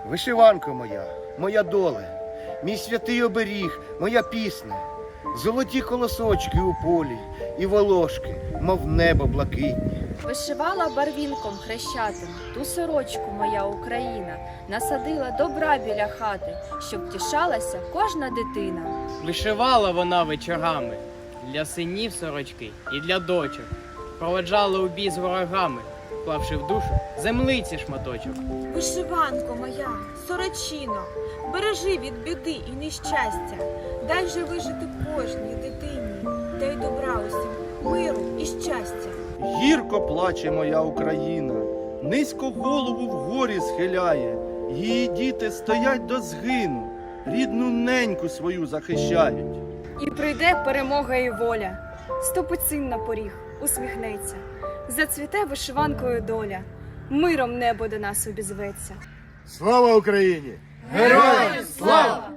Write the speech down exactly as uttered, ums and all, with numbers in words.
Вишиванко моя, моя доле, мій святий оберіг, моя пісня, золоті колосочки у полі і волошки, мов небо блакитні. Вишивала барвінком хрещатим ту сорочку моя Україна, насадила добра біля хати, щоб тішалася кожна дитина. Вишивала вона вечорами для синів сорочки і для дочок. Проведжала у бій з ворогами, вклавши в душу землиці шматочок. Вишиванко моя, сорочино, бережи від біди і нещастя, дай же вижити кожній дитині, дай добра усім, миру і щастя. Гірко плаче моя Україна, низько голову вгорі схиляє. Її діти стоять до згину, рідну неньку свою захищають. І прийде перемога і воля, ступить син на поріг, усміхнеться, зацвіте вишиванкою доля, миром небо до нас обізветься. Слава Україні! Героям слава!